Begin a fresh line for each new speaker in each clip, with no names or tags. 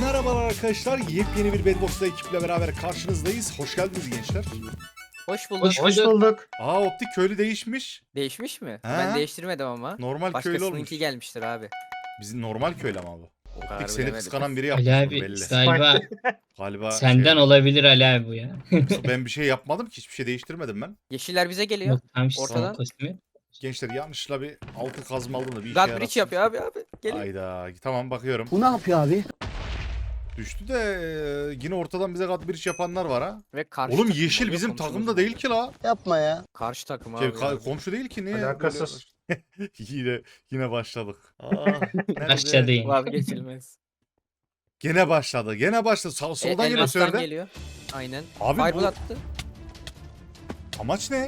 Merhabalar arkadaşlar, yepyeni bir Bedbox'ta ekiple beraber karşınızdayız. Hoş geldiniz gençler.
Hoş bulduk.
Hoş bulduk.
Optik köylü değişmiş.
Değişmiş mi?
He.
Ben değiştirmedim ama.
Normal köylü olmuş.
Başkasınınki gelmiştir abi.
Bizim normal köylü ama bu.
O kadar
Optik seni
bilemedim.
kıskanan biri
Ali
yapmış bunu
abi
belli.
galiba
Galiba
senden olabilir Ali abi bu ya.
ben bir şey yapmadım ki, hiçbir şey değiştirmedim ben.
Yeşiller bize geliyor.
Yok tam işte
Ortadan.
son kostümü.
Gençler yanlışla bir altı kazma aldım da bir işe
God
yarasın.
Bridge yapıyor abi. Geliyor.
Hayda, tamam bakıyorum.
Bu ne yapıyor abi?
Düştü de yine ortadan bize God Bridge yapanlar var ha.
Ve karşı
Oğlum
takım
yeşil
oluyor,
bizim
komşumuz
takımda
oluyor.
değil ki la.
Yapma ya.
Karşı takım
Şey,
abi. ya.
komşu değil ki, niye?
Alakasız.
Yine başladık.
Başladı yine.
Vazgeçilmez.
Gene başladı. Soldan geliyor
Elmas'tan
sörde.
geliyor. Aynen.
Abi
Fireball
bu
attı.
amaç ne?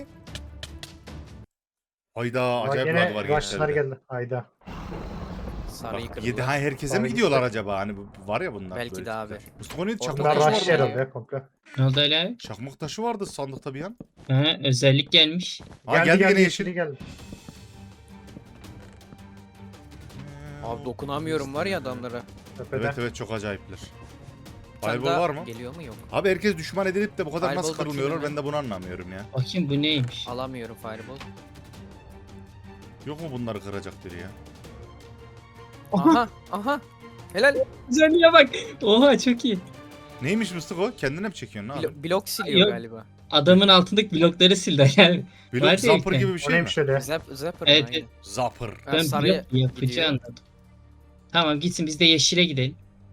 Hayda,
Bak
acayip
yine
rahat var
rush'lar
gençlerde.
geldi. Hayda.
Sarıyı kırdılar.
Yedi, herkese mi
Sarıyı
gidiyorlar
kırdı.
acaba? Hani var ya bunlar.
Belki
böyle
de abi.
tipler. Mustafa neydi?
Ortada
Çakmak
Bunlar
Taşı
taşı
rush
var
vardı.
herhalde ya komple.
Ne oldu Ali abi?
Çakmak taşı vardı sandıkta bir an.
Ha, özellik gelmiş.
Ha, geldi gene yeşil.
yeşili geldi.
Abi dokunamıyorum var ya adamlara.
Tepede.
Evet çok acayipler.
Sen
Fireball
daha
var mı?
Geliyor mu yok.
Abi herkes düşman edilip de bu kadar nasıl
Fireball
kırılmıyorlar,
bakayım
ben de bunu anlamıyorum ya.
Bakayım bu neymiş?
Alamıyorum Fireball.
Yok mu bunları kıracak biri ya?
Aha. Helal.
Güzelliğe bak. Oha çok iyi.
Neymiş Mustafa? Kendine mi çekiyorsun? Ne abi?
Blok siliyor
Yok.
galiba.
Adamın altındaki blokları sildi Ali abi.
Blok
Var
zapper
değil
gibi bir
O
şey mi?
neymiş öyle?
Zapper
Evet,
aynen.
Zapper.
Ben
Ben
sarıya
blok yapıcı
gidiyor.
anladım. Tamam gitsin biz de yeşile gidelim.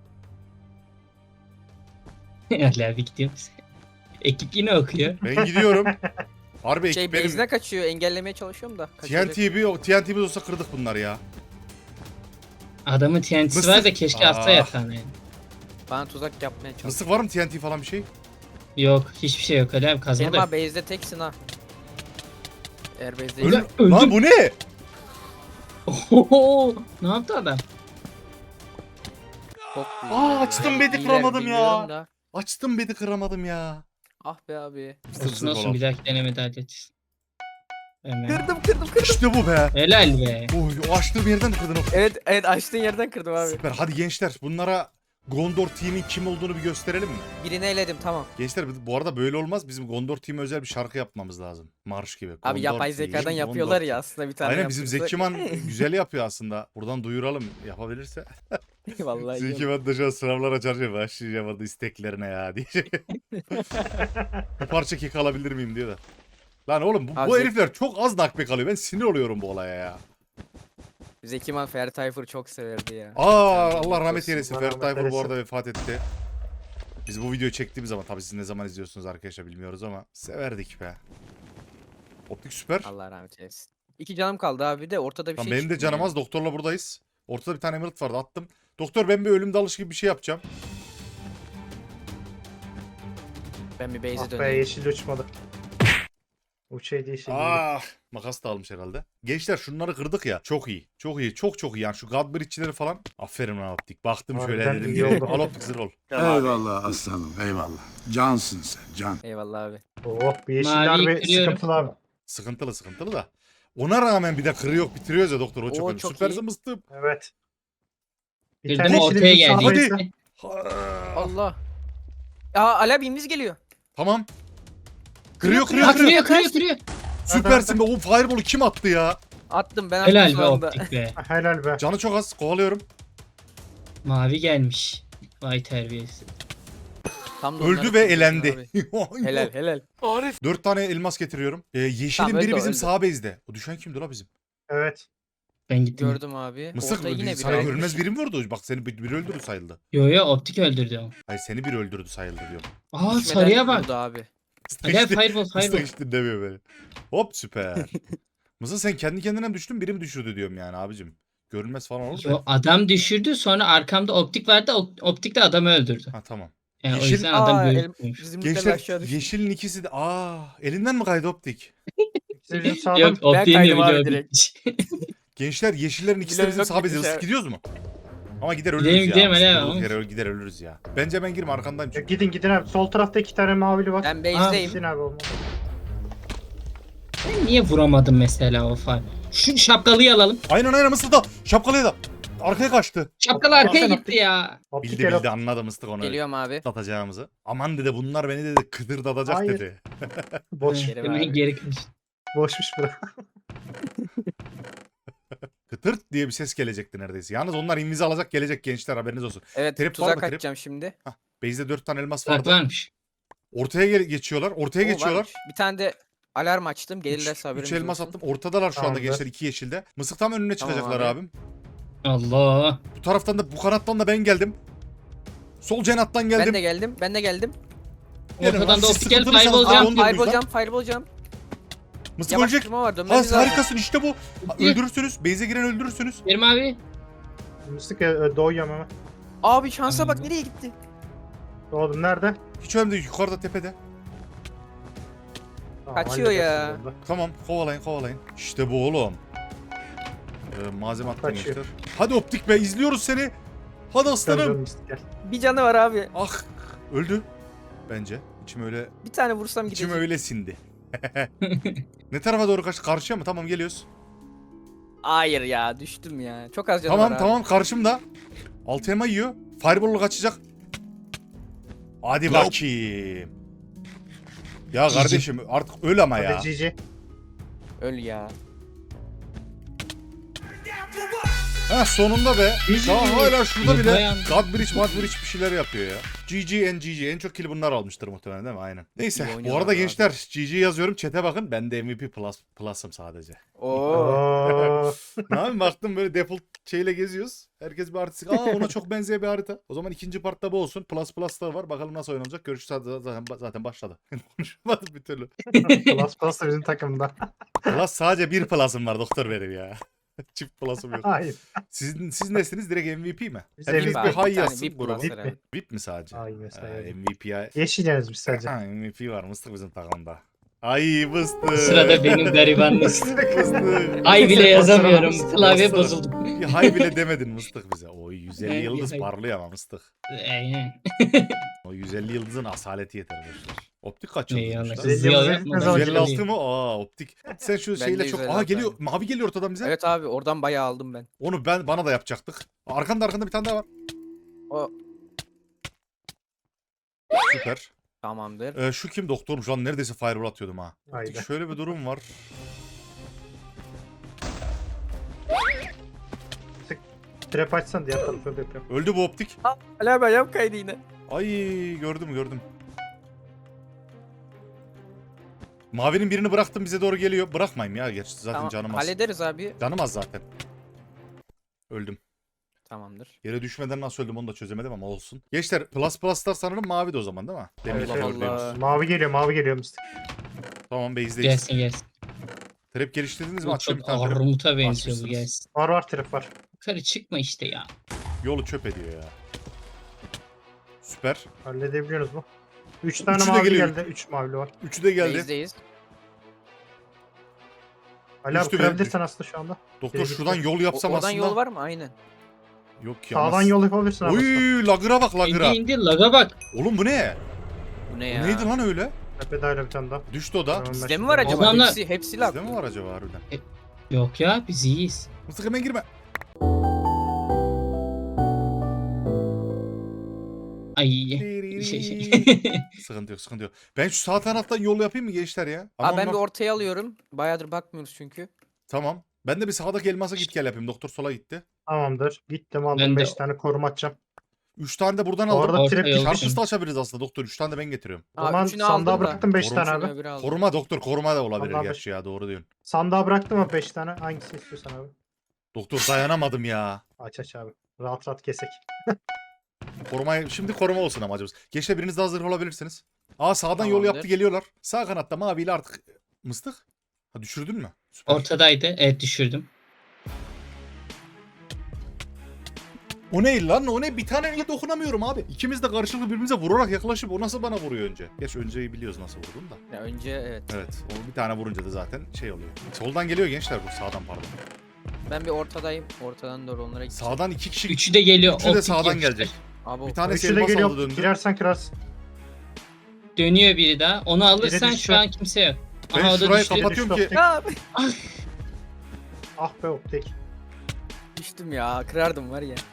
Ali abi gidiyoruz. Ekip yine okuyor.
Ben gidiyorum. Harbi
Şey
ekip benim.
base'ine kaçıyor. Engellemeye çalışıyorum da. kaçacak.
TNT'miz olsa kırdık bunları ya.
Adamın TNT'si
Mısır-
var da keşke atsa
Aa.
yatağına yani.
Bana tuzak yapmaya çalışıyor.
Mıstık var mı TNT falan bir şey?
Yok hiçbir şey yok Ali abi kazma
Senin
da.
abi base'de teksin ha. Eğer base'de
Öldüm.
öldüm.
Lan bu ne?
Oho, ne yaptı adam?
çok
açtım bedi
İyiler,
kıramadım ya.
bilmiyorum da.
Açtım bedi kıramadım ya.
Ah be abi.
Olsun olsun bir dahaki denemede halledeceğiz. Hemen.
Kırdım.
İşte bu be.
Helal be.
Oy, o açtığım yerden kırdın o.
Evet açtığın yerden kırdım abi.
Süper. Hadi gençler, bunlara Gondor Team'in kim olduğunu bir gösterelim mi?
Birini eledim tamam.
Gençler bu arada böyle olmaz. Bizim Gondor Team'e özel bir şarkı yapmamız lazım. Marş gibi.
Abi
Gondor
yapay
Team,
zekadan
Gondor
yapıyorlar
Team.
ya aslında bir tane.
Aynen, bizim
yaptırsak.
Zekiman güzel yapıyor aslında. Buradan duyuralım yapabilirse.
Vallahi iyi.
Zekiman da şu an sınavlara çalışıyor. Başlayacağım adı isteklerine ya diye. Bir parça kek alabilir miyim diyor da. Lan oğlum
Abi
bu
Zek-
herifler çok az nakbek alıyor. Ben sinir oluyorum bu olaya ya.
Zekiman Ferdi Tayfur çok severdi ya.
Allah rahmet
olsun,
eylesin.
Allah
Ferdi
rahmet
Tayfur bu
eylesin.
arada vefat etti. Biz bu videoyu çektiğimiz zaman, tabii siz ne zaman izliyorsunuz arkadaşlar bilmiyoruz ama severdik be. Optik süper.
Allah rahmet eylesin. 2 canım kaldı abi de ortada bir
Tamam,
şey
benim de
çıkmıyor.
canım az. Doktorla buradayız. Ortada bir tane emerald vardı, attım. Doktor, ben bir ölüm dalışı gibi bir şey yapacağım.
Ben bir base'e
Ah be
döneyim.
yeşil uçmadı. Uçaydı yeşil.
Makas da almış herhalde. Gençler şunları kırdık ya. Çok iyi. Çok iyi. Çok iyi. Yani şu God Bridge'leri falan. Aferin lan Optik. Baktım şöyle
Harbiden
dedim.
iyi oldu.
Al Optik zırh ol.
Eyvallah aslanım, eyvallah. Cansın sen, can.
Eyvallah abi.
Oh bir yeşiller
Maviyi
bir
kırıyorum.
sıkıntılı abi.
Sıkıntılı da. Ona rağmen bir de kırıyor bitiriyoruz ya doktor. O çok
Oo,
önemli.
çok
Süpersin
iyi.
mıstım.
Evet. Bir
Kırdım
tane
ortaya
yeşili bizim
geldi.
sağdaysa-
Allah. Aa Ala birimiz geliyor.
Tamam. Kırıyor.
Ha kırıyor.
Süpersin be. O fireball'u kim attı ya?
Attım ben attım
Helal
şu
be
anda.
optik be.
Helal be.
Canı çok az. Kovalıyorum.
Mavi gelmiş. Vay terbiyesi.
Tam da onları
Öldü ve
kırdım
elendi.
abi. Helal.
4 tane elmas getiriyorum. Yeşilin
Tamam,
biri
öldü,
bizim
öldü.
sağ base'de. O düşen kimdi la bizim?
Evet.
Ben gittim.
Gördüm abi.
Mısık
Orada yine
sana
biri
görünmez
almış.
biri mi vurdu? Bak seni biri öldürdü sayıldı.
Yo optik öldürdü o.
Hayır, seni biri öldürdü sayıldı diyorum.
Aa
Düşmeden
sarıya bak.
vurdu abi.
Ali abi fireball.
Mıstık hiç dinlemiyor beni. Hop süper. Mısır sen kendi kendine mi düştün, biri mi düşürdü diyorum yani abicim. Görünmez falan olur
Yo,
da.
adam düşürdü sonra arkamda optik vardı optik de adamı öldürdü.
Ha tamam.
Yani o
Yeşil-
yüzden adam
Aa,
gözükmüyormuş.
Bizim
Gençler
aşağı düştü.
yeşilin ikisi de elinden mi kaydı optik?
İkisi bizim sağdan.
Yok optiğin de
kaydım abi
biliyor.
direkt.
Gençler yeşillerin ikisi de bizim
Gidelim,
sağ bezimiz.
gidelim.
Gidiyoruz mu? Ama gider
Gidelim,
ölürüz
gidelim,
ya.
hele
Durduk
ama.
yere gider ölürüz ya. Bence ben girme, arkandayım
Ya
çünkü.
gidin abi. Sol tarafta 2 tane mavili var.
Ben base'deyim.
Gidin abi olmaz.
Ben niye vuramadım mesela o far? Şu şapkalıyı alalım.
Aynen Mısır'da. Şapkalıya da. Arkaya kaçtı.
Şapkalı arkaya
Aferin,
gitti ya.
Optik
Bildi
el
bildi anladı mıstık onu.
Geliyorum abi.
Atacağımızı. Aman dedi bunlar beni dedi kıdırdatacak
Hayır.
dedi.
boş.
Kerim
Hemen
abi.
geri kaçtı.
Boşmuş bura.
Kıtırt diye bir ses gelecekti neredeyse. Yalnız onlar invizi alacak gelecek gençler haberiniz olsun.
Evet
Trip var mı
tuzak
trip?
atacağım şimdi.
Base'de 4 tane elmas
Bak
vardı.
varmış.
Ortaya geçiyorlar. Ortaya
Oo,
geçiyorlar.
varmış. Bir tane de alarm açtım. Gelirlerse
3
haberiniz
elmas
olsun.
attım. Ortadalar şu anda
Tamamdır.
gençler 2 yeşilde. Mısık tam önüne
Tamam
çıkacaklar
abi.
abim.
Allah.
Bu taraftan da bu kanattan da ben geldim. Sol cenattan geldim.
Ben de geldim. Ben de geldim.
Gelin lan,
Ortadan da
siz
optik gel
sıkıntılıysanız
fireball
abi
jump.
onu diyoruz lan.
Fireball jump, fireball jump.
Mısık ölecek.
Yavaştırma var.
Ha
Dönmemiz lazım.
harikasın işte bu. Öldürürsünüz. Base'e giren öldürürsünüz.
Kerim abi.
Mıstık doğuyorum hemen.
Abi şansa bak nereye gitti?
Doğdum nerede?
Hiç önemli değil. Yukarıda tepede.
Tamam,
Kaçıyor ya.
halledersin burada.
Tamam kovalayın kovalayın. İşte bu oğlum. Malzeme attım
Kaçıyor.
gençler. Hadi optik be izliyoruz seni. Hadi
Dön,
aslanım.
dön Mıstık gel.
Bir canı var abi.
Ah öldü. Bence. İçim öyle
Bir tane vursam
içim
gidecek.
öyle sindi. Ne tarafa doğru kaç? Karşıya mı? Tamam geliyoruz.
Hayır ya düştüm ya. Çok az canı
Tamam
var abi.
tamam karşımda. Altı elma yiyor. Fireball'u kaçacak. Hadi bakayım. Ya
GG.
kardeşim artık öl ama ya.
Hadi GG.
Öl ya.
Ha sonunda be.
GG.
Daha hala şurada bile
Bayan.
Godbridge bir şeyler yapıyor ya. GG. En çok kill'i bunlar almıştır muhtemelen değil mi? Aynen. Neyse
İyi
bu
oynuyorlar
arada
abi.
gençler GG yazıyorum chat'e bakın. Ben de MVP Plus'ım sadece.
Oo.
Oo.
Ne yapayım baktım böyle default şeyle geziyoruz. Herkes bir artistik. Aa ona çok benzeyen bir harita. O zaman ikinci partta bu olsun. Plus'lar var. Bakalım nasıl oynanacak. Görüşürüz zaten başladı. Konuşamadım bir türlü.
Plus da bizim takımda.
Plus sadece bir plus'ım var doktor benim ya. Çift plus'ım yok.
Hayır.
Siz nesiniz? Direkt MVP mi?
Biz
Hepiniz
MVP.
bir
Bir
high
tane
yazsın
VIP
gruba.
plus herhalde.
VIP mi sadece?
Hayır mesela.
MVP'ye.
Yeşileceğiz biz sadece.
Ha, MVP var mıstık bizim takımda. Ay mıstık.
Sırada benim garibanlık.
Mıstık.
Ay bile yazamıyorum.
Mıstık.
Klavye bozuldu.
Bir hay bile demedin mıstık bize. O 150
Evet,
yıldız
bir hay.
parlıyor ama mıstık.
Aynen.
O 150 yıldızın asaleti yeter boşver. Optik kaç yıldızmış
Eyvallah.
lan?
Güzel
Ziya
yıldız
yapma,
etmez
ben
ama.
156 mı? Aa optik. Sen şu
Ben
şeyle
de
çok...
156
Aa geliyor.
abi.
Mavi geliyor ortadan bize.
Evet abi oradan bayağı aldım ben.
Onu bana da yapacaktık. Arkanda bir tane daha var.
O
Süper.
tamamdır.
Şu kim doktorum? Şu an neredeyse fireball atıyordum ha.
Haydi.
Şöyle bir durum var.
Trap açsan diğer tarafa da yapıyorum.
Öldü bu optik.
Hala ben yap kaydı yine.
Ay gördüm. Mavinin birini bıraktım bize doğru geliyor. Bırakmayayım ya gerçi zaten
Tamam,
canım az.
hallederiz abi.
Canım az zaten. Öldüm.
Tamamdır.
Yere düşmeden nasıl öldüm onu da çözemedim ama olsun. Gençler pluslar sanırım mavi de o zaman değil mi? Demin
Evet,
bak
evet.
oradaymış.
Allah.
Mavi geliyor Mıstık.
Tamam base'deyiz.
Gelsin gelsin.
Trap geliştirdiniz mi?
Bu
Açıyorum
çok
bir tane trap.
armuta benziyor bu
Basmışsınız.
gelsin.
Var trap var.
Yukarı çıkma işte ya.
Yolu çöp ediyor ya. Süper.
Halledebiliyoruz mu? 3 tane
Üçü de
mavi
geliyor.
geldi. 3 mavili var.
Üçü de geldi.
Base'deyiz.
Ali abi
Üstü
kırabilirsin aslında şu anda.
Doktor
Biri
şuradan
gitti.
yol yapsam
Oradan
aslında.
yol var mı? Aynen.
Yok ya.
Sağdan yol yapabilirsin abi.
Uy lagıra bak lagıra.
İndi laga bak.
Oğlum bu ne?
Bu ne
Bu
ya?
neydi lan öyle?
Tepede öyle bir tane daha.
Düştü o da.
Tamam,
Bizde mi var acaba?
Adamlar-
Hepsi lag.
Bizde mi var acaba harbiden?
Yok ya biz iyiyiz.
Mıstık hemen girme.
Ay şey.
Sıkıntı yok. Ben şu sağ taraftan yol yapayım mı gençler ya?
Abi ben
onlar-
bir ortaya alıyorum. Bayağıdır bakmıyoruz çünkü.
Tamam. Ben de bir sağdaki elmasa git gel yapayım. Doktor sola gitti.
Tamamdır. Gittim
Ben
aldım
de-
5 tane koruma atacağım.
3 tane de buradan
Bu
aldım.
arada
Orta
trap
yol.
gitmiş.
Çarpışta açabiliriz aslında doktor. 3 tane de ben getiriyorum.
O zaman
üçünü
sandığa
aldım da.
bıraktım 5 tane
Üçünü
abi.
öbürü aldı.
Koruma doktor koruma da olabilir
Vallahi
gerçi ya doğru diyorsun.
Sandığa bıraktım ama 5 tane. Hangisini istiyorsan abi.
Doktor dayanamadım ya.
Aç abi. Rahat kesek.
Şimdi koruma olsun amacımız. Gençler biriniz de hazır olabilirsiniz. Aa sağdan yol
Tamamdır.
yaptı geliyorlar. Sağ kanatta maviyle artık mıstık. Ha düşürdün mü? Süper.
Ortadaydı. Evet düşürdüm.
O ne lan o ne? Bir taneyle dokunamıyorum abi. İkimiz de karşılıklı birbirimize vurarak yaklaşıp o nasıl bana vuruyor önce? Geç önceyi biliyoruz nasıl vurdum da.
Ya önce evet.
Evet. O bir tane vurunca da zaten şey oluyor. Soldan geliyor gençler bu sağdan pardon.
Ben bir ortadayım. Ortadan doğru onlara gideceğim.
Sağdan 2 kişi.
Üçü de geliyor.
Üçü de
optik
sağdan
yapıştır.
gelecek.
Abi
Bir tane
Üçü de
elmas aldı
geliyor.
döndü.
Girersen kırarsın.
Dönüyor biri daha. Onu alırsan
düştü.
şu an kimse yok.
Ben
Aha o da
şurayı
düştü.
kapatıyorum
Düştü
ki.
Ya
Ah be optik.
düştüm ya. Kırardım var ya.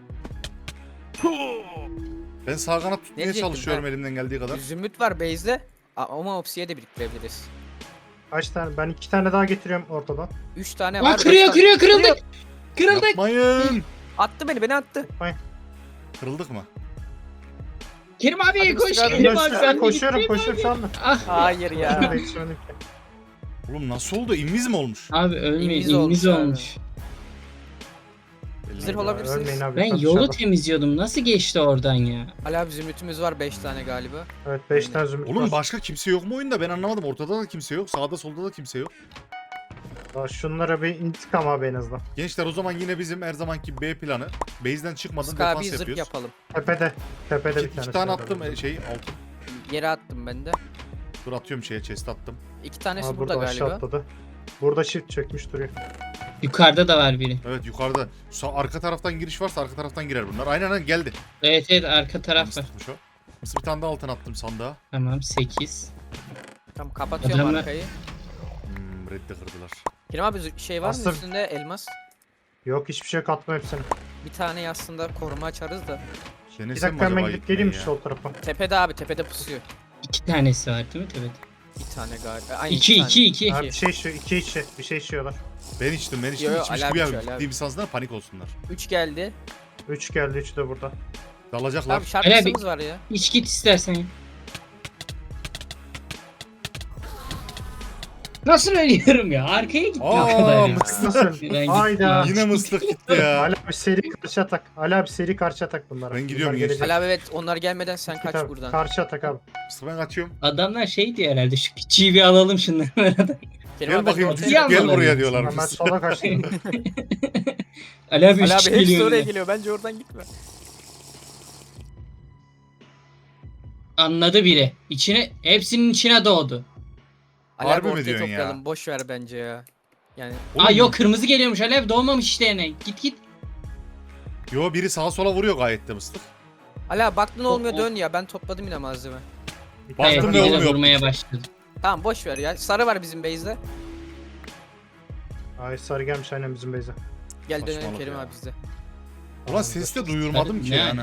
Ben sağ kanat tutmaya
diyecektim
çalışıyorum
ben?
elimden geldiği kadar.
Zümrüt var base'de. Ama Opsi'ye de biriktirebiliriz.
Kaç tane? Ben 2 tane daha getiriyorum ortadan.
3 tane
Aa,
var.
kırıyor
beş tane-
kırıldık. Kırıldık.
Yapmayın.
Attı beni attı.
Kırıldık mı?
Kerim abi
Hadi
koş
Mustafa abi.
Kerim abi. Ben de
Koşuyorum
gittim.
koşuyorum şu anda.
Ah.
Hayır ya.
Ben de yetişemedim ki.
Oğlum nasıl oldu? İnviz mi olmuş?
Abi ölmeyin.
İnviz
İnviz
olmuş abi.
olmuş.
Zırh olabilirsiniz.
Ölmeyin abi.
Ben
lütfen
yolu
dışarıda.
temizliyordum. Nasıl geçti oradan ya?
Ali abi zümrütümüz var 5 tane galiba.
Evet 5 tane zümrüt
Oğlum
var.
başka kimse yok mu oyunda? Ben anlamadım. Ortada da kimse yok. Sağda solda da kimse yok.
Daha şunlara bir intikam abi en azından.
Gençler o zaman yine bizim her zamanki B planı. Base'den çıkmadan
Sık abi
defans
zırh
yapıyoruz.
yapalım.
Tepede. Tepede bir
İki
tane.
tane attım altın.
Yere attım ben de.
Dur atıyorum chest attım.
2 tanesi
Aa,
burada
burada aşağı
galiba.
atladı. Burada shift çökmüş duruyor.
Yukarıda da var biri.
Evet yukarıda. Arka taraftan giriş varsa arka taraftan girer bunlar. Aynen geldi.
Evet evet arka taraf var.
Mısırmış o. Mısır bir tane daha altın attım sandığa.
Tamam 8.
Tamam kapatıyorum
Adamlar-
arkayı.
Reddi kırdılar.
Kerim abi şey var mı
Aslında-
üstünde elmas?
Yok hiçbir şey katma hepsini.
Bir tane aslında koruma açarız da.
Bir
Denesem mi
dakika hemen
acaba
gidip geleyim
gitmeyi ya?
sol tarafa.
Tepede abi tepede pusuyor.
2 tanesi var değil mi? Evet.
Bir tane galiba. Aynı
2
tane.
2 2.
Ha, bir şey içiyor. 2 içi. Bir şey içiyorlar.
Ben içtim
Yo,
içmiş
Ali
gibi
abi içiyor, Ali
ciddi
abi.
bir sansınlar panik olsunlar.
3 geldi.
3 geldi 3 de burada.
Dalacaklar.
Abi şarkısımız var ya.
İç git istersen. Nasıl ölüyorum ya? Arkaya gitti o kadar
Aa
ya.
mısır.
Nasıl?
Ben
Hayda.
gittim.
Yine mıslık gitti ya.
Ali abi seri karşı atak. Ali abi seri karşı atak bunlara.
Ben gidiyorum
Bunlar
gençler.
gelecek.
Ali abi evet onlar gelmeden sen kaç
Tabii,
buradan.
Karşı atak abi.
Mısır ben kaçıyorum.
Adamlar şey diyor herhalde şu küçüğü bir alalım şunları.
Kerim
Gel
abi,
bakayım
ben de
cücük
Yan
gel
dolanıyor.
buraya diyorlar.
Hemen sola kaçtım.
Ali abi 3
Ali abi
kişi
hepsi
geliyor.
oraya
yine.
geliyor. Bence oradan gitme.
Anladı biri. İçine hepsinin içine doğdu.
Ali
Harbi
abi
mi
ortaya
diyorsun ya?
toplayalım. Boş ver bence ya. Yani
Aa yok kırmızı geliyormuş Ali abi doğmamış işte yani. Git git.
Yo biri sağa sola vuruyor gayet de mıslık.
Ali abi baktın olmuyor
o-
dön ya. Ben topladım yine malzeme.
Baktım
Evet,
ve
biri de
olmuyor.
vurmaya başladı.
Tamam boş ver ya. Sarı var bizim base'de.
Ay sarı gelmiş aynen bizim base'e.
Gel dönelim
Saçmalık
Kerim
ya.
abi bizde.
Ulan ses de duyurmadım ki
Ne?
yani.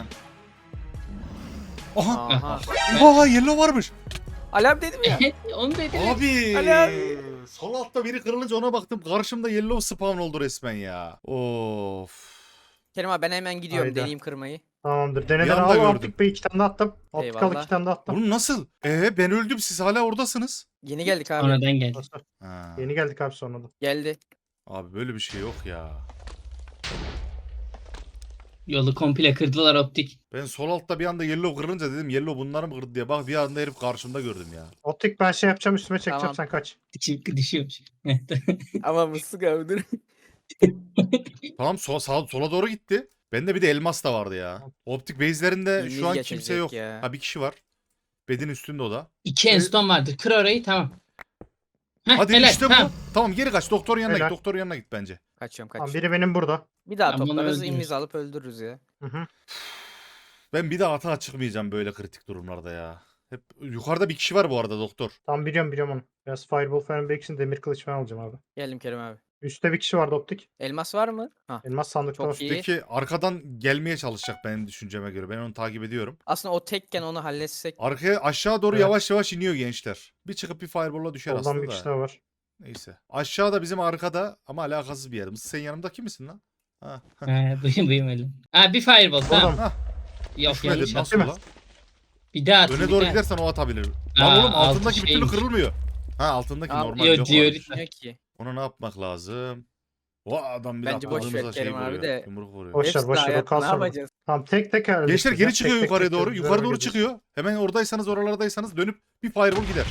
Aha.
Aha.
Aa yellow varmış.
Ali abi dedim ya.
Onu dedi.
Abi.
Ali abi.
Sol altta biri kırılınca ona baktım. Karşımda yellow spawn oldu resmen ya. Of.
Kerim abi ben hemen gidiyorum
Hayda.
deneyeyim kırmayı.
Tamamdır.
Bir
Deneden
anda
al
gördüm.
optik bey 2 tane daha attım. Optik al
Eyvallah.
2 tane daha attım.
Oğlum nasıl? Ben öldüm siz hala oradasınız.
Yeni geldik abi.
Sonradan geldi.
Nasıl?
Ha.
Yeni geldik abi sonradan.
Geldi.
Abi böyle bir şey yok ya.
Yolu komple kırdılar optik.
Ben sol altta bir anda yellow kırılınca dedim yellow bunları mı kırdı diye. Bak bir anda herif karşımda gördüm ya.
Optik ben şey yapacağım üstüme çekeceğim
Tamam.
sen kaç.
Çünkü düşüyormuş.
Ama mısık abi dur.
Tamam sola doğru gitti. Bende bir de elmas da vardı ya. Optik base'lerinde
İlmiz
şu an
geçecek
kimse yok.
ya.
Ha bir kişi var. Bedin üstünde o da.
2 enstone vardır. Kır orayı tamam. Heh,
Hadi
helal,
işte bu.
tamam.
Tamam geri kaç. Doktorun yanına
Helal.
git. Doktorun yanına git bence.
Kaçıyorum
Tamam,
kaçıyorum.
biri benim burada.
Bir daha
Tamam, bunu
toplarız
öldürürüz.
imiz alıp öldürürüz ya.
Hı hı.
Ben bir daha atağa çıkmayacağım böyle kritik durumlarda ya. Hep yukarıda bir kişi var bu arada doktor.
Tamam biliyorum onu. Biraz fireball falan biriksin demir kılıç falan alacağım abi.
Geldim Kerim abi.
Üstte bir kişi vardı optik.
Elmas var mı? Ha.
Elmas sandıkta
Çok
var.
iyi.
Peki arkadan gelmeye çalışacak benim düşünceme göre. Ben onu takip ediyorum.
Aslında o tekken onu halletsek.
Arkaya aşağı doğru
Evet.
yavaş yavaş iniyor gençler. Bir çıkıp bir fireball'la düşer
Soldan
aslında
bir
da.
kişi daha var.
Neyse. Aşağıda bizim arkada ama alakasız bir yer. Sen yanımdaki misin lan? Ha.
Buyum öyle. Ha bir fireball tamam.
Oradan.
Yok
Düşmedin
yanlış
nasıl
attım.
la?
Bir daha atın.
Öne
bir
doğru
daha.
gidersen o atabilir.
Aa,
Lan oğlum
altı
altındaki bir türlü
şeymiş.
kırılmıyor. Ha altındaki
Aa,
normal
yo,
yok
diyor.
varmış.
Ne ki?
Ona ne yapmak lazım? O adam bir
Bence boş ver
atladığımızda şey
Kerim abi
vuruyor.
de.
Yumruk vuruyor.
Boş ver
Hepsi
boş
de
ver o
hayat,
kalsın.
ne
orada.
yapacağız?
Tamam tek tek halledeceğiz
Gençler
ya.
geri
Tek
çıkıyor
tek
yukarıya
tek
doğru.
tek
Yukarı doğru
halledeceğiz.
çıkıyor. Hemen oradaysanız oralardaysanız dönüp bir fireball gider.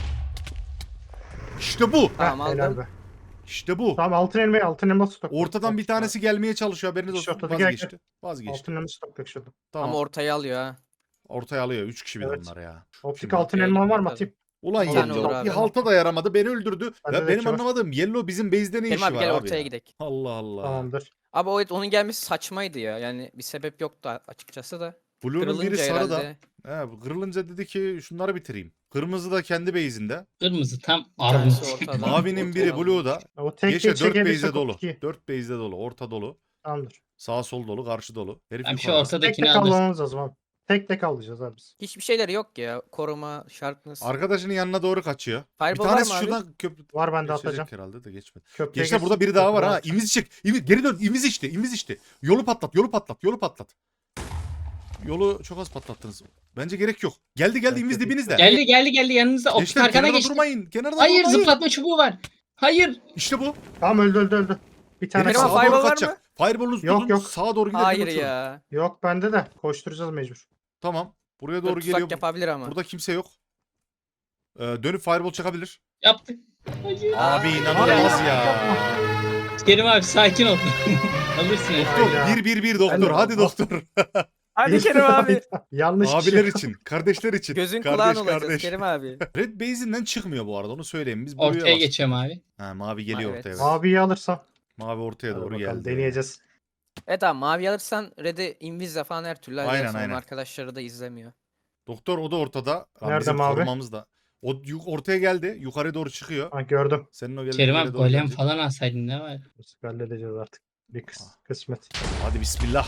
İşte bu.
Tamam
Heh, helal
aldım.
be.
İşte bu.
Tamam altın elma stok.
Ortadan bir tanesi gelmeye çalışıyor. Haberiniz
İşte
olsun.
ortada gel,
Vazgeçti. Vazgeçti.
Altın elma stok şurada.
Tamam.
Ama ortaya alıyor ha.
Ortaya alıyor. 3 kişi bir de
Evet.
onlar ya.
Optik
Şimdi-
altın
Okey,
elma var mı
tabii.
atayım?
Ulan
Bir tane
Yellow
olur abi.
bir halta da yaramadı. Beni öldürdü.
Bende
Ya
de
benim
iki var.
anlamadığım Yellow bizim base'de ne
Kerim
işi
abi
var
gel
abi
ortaya
ya?
gidelim.
Allah Allah.
Tamamdır.
Abi evet onun gelmesi saçmaydı ya. Yani bir sebep yoktu açıkçası da.
Blue'nun biri
Kırılınca
sarı da.
herhalde.
He, kırılınca dedi ki şunları bitireyim. Kırmızı da kendi base'inde.
Kırmızı tam
Bir tanesi
armut.
ortada.
Mavinin biri
ortaya
Blue'da.
O tek
Geçe
tek
4 base'de
çekebilirsek
dolu.
optik iyi.
4 base'de dolu. Orta dolu.
Tamamdır.
Sağ sol dolu, karşı dolu. Herif
Abi şu
yukarıda.
Tek
ortadakini
tek
alırsın.
avlamamız lazım abi. Tek tek avlayacağız abi biz.
Hiçbir şeyleri yok ya. Koruma, sharpness.
Arkadaşının yanına doğru kaçıyor. Bir
Fireball var
tanesi
mı abi?
şuradan köprü...
Var ben de
Geçecek
atacağım.
herhalde de geçmedi.
Köprüye
Gençler burada
geçsin,
biri daha var
köprü
ha.
rahat.
İmizi çık. Geri dön. İmiz içti. İmiz içti. Yolu patlat. Yolu patlat. Yolu patlat. Yolu çok az patlattınız. Bence gerek yok. Geldi
Ben
İmiz
kötü-
dibinizde.
Geldi yanınızda. Optik
Gençler
arkana
kenarda
geçti.
durmayın. Kenarda
Hayır
durmayın.
zıplatma çubuğu var. Hayır.
İşte bu.
Tamam öldü. Bir tane
Herif
Benim
sağa
kaldı.
fireball
doğru
var
kaçacak. Fireball'unuzu
Yok,
tutun.
yok.
Sağa doğru gidelim.
Hayır
uçurun.
ya.
Yok bende de. Koşturacağız mecbur.
Tamam. Buraya
Dur,
doğru
tutsak
geliyor.
yapabilir ama.
Burada kimse yok. Dönüp fireball çakabilir.
Yaptık. Hayır.
Abi inanılmaz ya.
Kerim abi sakin ol. Alırsın hep.
Doktor
Hayda.
1-1-1 doktor.
Alo.
Hadi doktor.
Hadi Kerim abi.
Yanlış
Abiler
kişi.
için, kardeşler için.
Gözün
Kardeş,
kulağın olacağız
kardeş.
Kerim abi.
Red base'inden çıkmıyor bu arada onu söyleyeyim. Biz buraya
Ortaya
bastık.
geçiyorum abi.
Ha, mavi geliyor
Evet.
ortaya. Evet.
Abiyi alırsam.
Mavi ortaya
Hadi
doğru
bakalım,
geldi.
deneyeceğiz.
Evet abi mavi alırsan Red'i Invis'le falan her türlü
Aynen,
aynen,
aynen.
arkadaşları da izlemiyor.
Doktor o da ortada. Lan
Nerede
bizim
mavi?
korumamız da. O ortaya geldi. Yukarı doğru çıkıyor.
Ha, gördüm.
Senin o geldiğin
Kerim
yere
abi
doğru
golem
gelecek.
falan alsaydın ne var?
Halledeceğiz artık. Bir kısmet.
Hadi bismillah.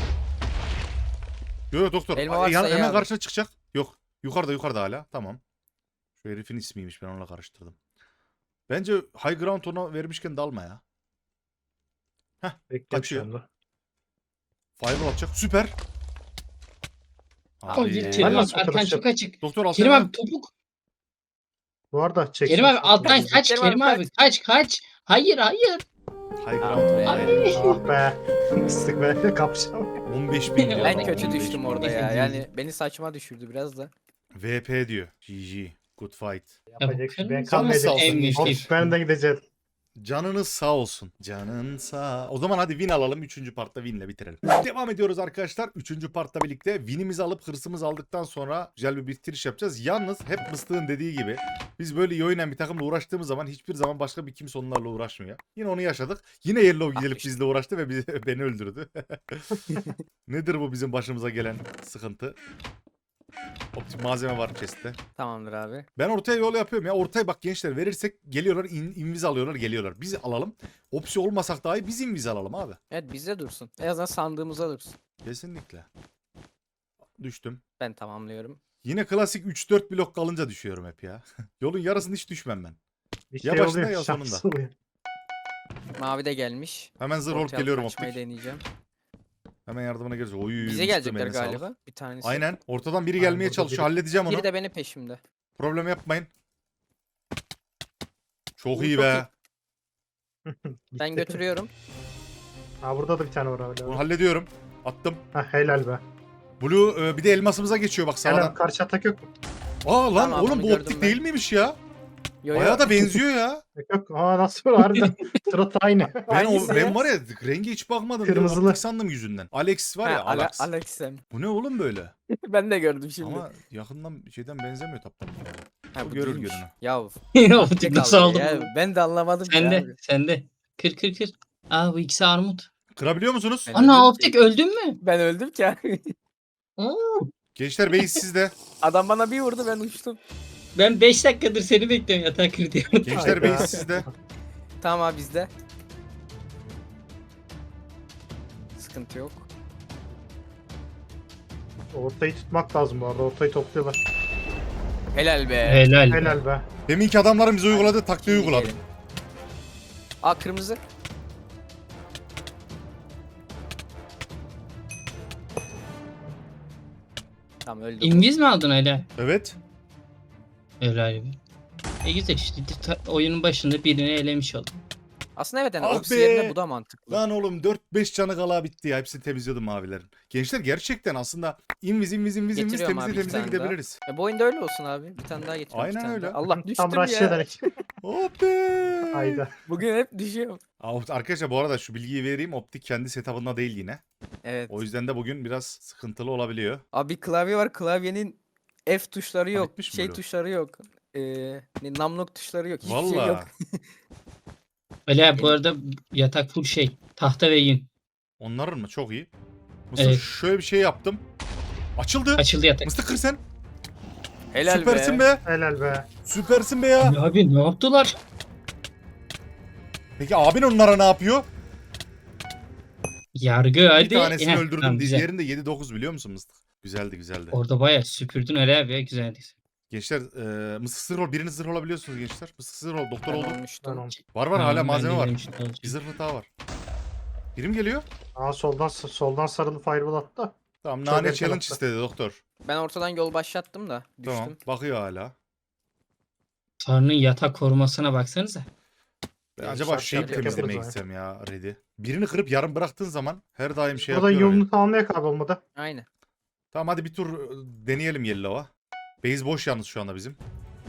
Yok doktor.
Elma varsa
Hemen
ye abi.
karşına çıkacak. Yok. Yukarıda hala. Tamam. Şu herifin ismiymiş ben onunla karıştırdım. Bence high ground ona vermişken dalma ya.
Bekliyorum
Kaçıyor.
şu anda.
Fireball atacak. Süper.
Kerim
Ben
abi
nasıl
arkan
fotoğraf
çok açık.
Doktor al
Kerim
sen
abi topuk.
Bu arada çek.
Kerim abi alttan kaç
Kerim
Kerim
abi,
abi kaç. Hayır.
High
Ah
ground
be.
onayı.
Ah be. Mıstık be. Kapışalım.
15 bin diyor.
Ben
adam,
kötü
15
düştüm
bin.
orada ya. Yani beni saçma düşürdü biraz da.
VP diyor. GG. Good fight.
Yapacak bir şey. Ben
kırmızı
Canınız sağ
kalmayacağım.
olsun
en
gençler.
güçlü.
Of ben de gideceğim.
Canınız sağ olsun. Canın sağ. O zaman hadi win alalım. 3. partta winle bitirelim. Devam ediyoruz arkadaşlar. 3. partta birlikte winimizi alıp hırsımızı aldıktan sonra güzel bir bitiriş yapacağız. Yalnız hep Mıstık'ın dediği gibi biz böyle iyi oynayan bir takımla uğraştığımız zaman hiçbir zaman başka bir kimse onlarla uğraşmıyor. Yine onu yaşadık. Yine Yellow gelip bizle uğraştı ve beni öldürdü. Nedir bu bizim başımıza gelen sıkıntı? Optik malzeme var chest'te.
Tamamdır abi.
Ben ortaya yol yapıyorum ya. Ortaya bak gençler verirsek geliyorlar inviz alıyorlar geliyorlar. Biz alalım. Opsi olmasak dahi biz inviz alalım abi.
Evet bizde dursun. En azından sandığımıza dursun.
Kesinlikle. Düştüm.
Ben tamamlıyorum.
Yine klasik 3-4 blok kalınca düşüyorum hep ya. Yolun yarısını hiç düşmem ben.
Bir
Ya
şey
başında
oluyor.
ya sonunda.
şans oluyor.
Mavi de gelmiş.
Hemen zırh olup
Ortaya
geliyorum
açmayı
optik.
deneyeceğim.
Hemen yardımına geliriz. Oy,
Bize
Mıstık
gelecekler
eline sağlık.
galiba. Bir tanesi.
Aynen. Ortadan biri
Aynen,
gelmeye
burada
çalışıyor.
biri-
Halledeceğim onu.
Biri de benim peşimde.
Problem yapmayın. Çok
Bu
iyi
çok
be.
Ben
Gitti.
götürüyorum.
Ha burada da bir tane var
Bunu
hala.
hallediyorum. Attım.
Ha helal be.
Blue bir de elmasımıza geçiyor bak
Helal
sağdan.
karşı atak yok mu?
Aa lan
Tamam,
oğlum
onu
bu
gördüm
optik
ben.
değil miymiş ya?
Yo, yo.
Bayağı da benziyor ya.
Yok. Aa nasıl harbiden. Surat aynı.
Hangisi
Ben
ya?
var ya rengi hiç bakmadım. Diye
Kırmızılı.
optik sandım yüzünden. Alex var ya
Ha,
Alex.
Alex'em.
Bu ne oğlum böyle?
Ben de gördüm şimdi.
Ama yakından şeyden benzemiyor taptan.
Ha,
bu
bu
görür
değilmiş.
görünü.
Ya
Optik nasıl aldım?
Ya, ben de anlamadım ki
Sende.
abi.
Sende. Kır. Aa bu ikisi armut.
Kırabiliyor musunuz?
Ben öldüm ki.
Ana optik öldün mü?
Ben öldüm ki abi.
Gençler bey sizde.
Adam bana bir vurdu ben uçtum.
Ben 5 dakikadır seni bekliyorum yatağa kır diye.
Gençler bey
Hayda.
sizde.
Tamam abi bizde. Sıkıntı yok.
Ortayı tutmak lazım bu arada. Ortayı topluyorlar.
Helal be.
Helal.
Helal be.
Deminki adamların bize uyguladığı taktiği
Şimdi
uyguladım.
gelin. Aa kırmızı. Tamam öldü.
İnviz mi aldın hala?
Evet.
Helal. Güzel işte oyunun başında birini elemiş oldum.
Aslında evet yani
Ah
Ops
be!
yerine bu da mantıklı.
Lan oğlum 4-5 canı kala bitti ya. Hepsini temizliyordum mavilerin. Gençler gerçekten aslında inviz
Getiriyorum abi,
temizle
bir tane
gidebiliriz.
Bu oyunda öyle olsun abi. Bir tane daha getiriyorum.
Aynen
bir tane
öyle.
daha. Allah düştüm
Tam rush
ya.
ederek.
Hop be.
Hayda.
Bugün hep düşüyorum.
Arkadaşlar bu arada şu bilgiyi vereyim. Optik kendi setup'ında değil yine.
Evet.
O yüzden de bugün biraz sıkıntılı olabiliyor.
Abi klavye var. Klavyenin F tuşları yok.
bitmiş mi
Şey
Blue?
tuşları yok. Numlock tuşları yok. Hiçbir şey
Valla.
yok.
Öyle bu arada yatak full şey. Tahta ve yün.
Onların mı? Çok iyi. Mısır
Evet.
şöyle bir şey yaptım. Açıldı.
Açıldı yatak.
Mısır kır sen.
Helal
Süpersin
be.
be.
Helal be.
Süpersin be ya.
Ya abi ne yaptılar?
Peki abin onlara ne yapıyor?
Yargı hadi.
Bir tanesini
Heh,
öldürdüm.
tamam, güzel.
Diğerinde 7-9 biliyor musun Mıstık? Güzeldi güzeldi.
Orada bayağı süpürdün öyle abi ya, güzeldi.
Gençler mısık zırh ol. Biriniz zırh olabiliyorsunuz gençler. Mısık zırh ol. Doktor
Ben
oldu.
olmuştum.
Tamam.
Var hala
Tamam,
malzeme
ben de
var.
demiştim, olacak.
Bir zırhlı daha var. Birim geliyor.
Aa soldan sarılı fireball attı da.
Tamam
Çok
nane
erken
challenge
attı.
istedi doktor.
Ben ortadan yol başlattım da düştüm.
Tamam bakıyor hala.
Tanrı'nın yatak korumasına baksanıza.
Ben
Ya,
acaba
şart
şeyi
şart
temizlemeye
yaparız
gitsem ya Red'i. Birini kırıp yarım bıraktığın zaman her daim şey
Buradan
yapıyor.
yolunu tamamlayak abi olmadı.
Aynen.
Tamam hadi bir tur deneyelim Yellow'a. Base boş yalnız şu anda bizim.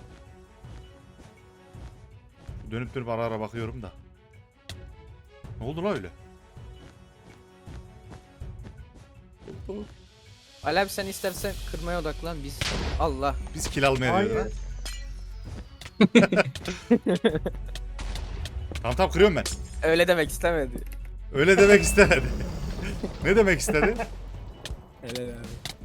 Dönüp dönüp ara ara bakıyorum da. Ne oldu la öyle?
Ali abi sen istersen kırmaya odaklan biz. Allah.
Biz kill almaya
Hayır.
diyoruz ha. Tamam kırıyorum ben.
Öyle demek istemedi.
Öyle demek istemedi. Ne demek istedi?
Helal abi.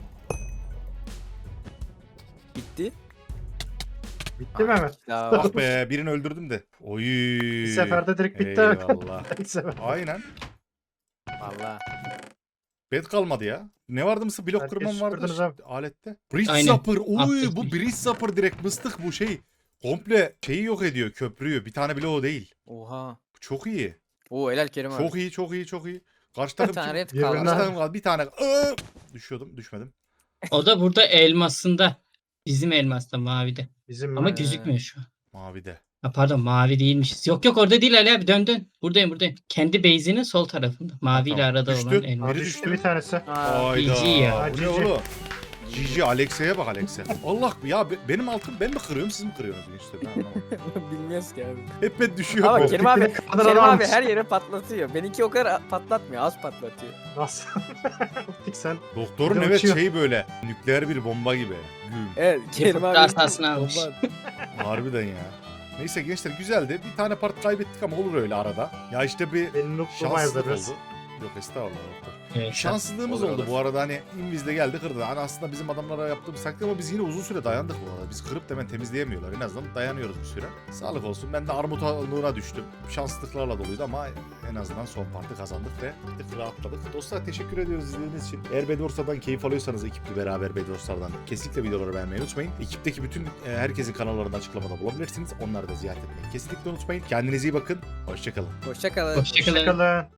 Bitti.
Bitti mi hemen?
Ya
Ah be birini öldürdüm de. Oy.
Bir seferde direkt bitti.
Eyvallah.
Bir sefer.
Aynen.
valla.
Bed kalmadı ya. Ne vardı mısın? Blok
Herkes
kırmam vardı
süpürdünüz abi.
alette. Bridge
Aynen.
Zapper. Oy
Attık
bu
bir.
Bridge Zapper direkt mıstık bu şey. Komple şeyi yok ediyor köprüyü. Bir tane bile o değil.
Oha.
Bu çok iyi.
Oo helal Kerim abi.
Çok iyi çok iyi çok iyi. Karşı
Bir
takım
tane
kim?
red
Birbirine-
Karşı
kaldı.
takım kaldı. Bir tane. Düşüyordum düşmedim.
O da burada elmasında. Bizim elmasta mavide.
Bizim
Ama
Ee,
gözükmüyor şu an.
Mavide.
Ha, pardon mavi değilmişiz. Yok yok orada değil Ali abi, dön. Buradayım. Kendi base'inin sol tarafında. Maviyle
Tamam.
arada
Düştü.
olan elmas.
Biri
Abi
düştü.
düştü bir tanesi.
Aa,
Hayda.
GG ya.
Bu ne
GG.
oğlum? GG Alexa'ya bak Alexa. Allah ya benim altım ben mi kırıyorum siz mi kırıyorsunuz işte ben anlamadım.
bilmiyoruz ki abi.
Hep ben düşüyorum.
Ama
bu.
Kerim abi,
Kadar
Kerim
adam
abi
almış.
her yere patlatıyor. Benimki o kadar patlatmıyor, az patlatıyor.
Nasıl? Optik sen.
Doktorun
Bir de
evet
uçuyor.
şeyi böyle nükleer bir bomba gibi. Güm.
Evet, Kerim abi.
Derstasını almış.
Bomba.
Harbiden ya. Neyse gençler güzeldi. Bir tane part kaybettik ama olur öyle arada. Ya işte bir
Benim noob'luğuma
şanssızlık
yazarız.
oldu. Yok estağfurullah doktor.
Evet,
Şanssızlığımız
Olur,
oldu
olur.
bu arada hani Inviz'de geldi kırdı. Hani aslında bizim adamlara yaptığımız taktik ama biz yine uzun süre dayandık bu arada. Biz kırıp da hemen temizleyemiyorlar. En azından dayanıyoruz bir süre. Sağlık olsun. Ben de armutluğuna düştüm. Şanssızlıklarla doluydu ama en azından son partı kazandık ve bir tık rahatladık. Dostlar teşekkür ediyoruz izlediğiniz için. Eğer Bedwars'tan keyif alıyorsanız ekiple beraber Bedwars'tan kesinlikle videoları beğenmeyi unutmayın. Ekipteki bütün herkesin kanallarını açıklamada bulabilirsiniz. Onları da ziyaret etmeyi kesinlikle unutmayın. Kendinize iyi bakın. Hoşçakalın.
Hoşça kalın.
Hoşçakalın.
Hoşçakalın.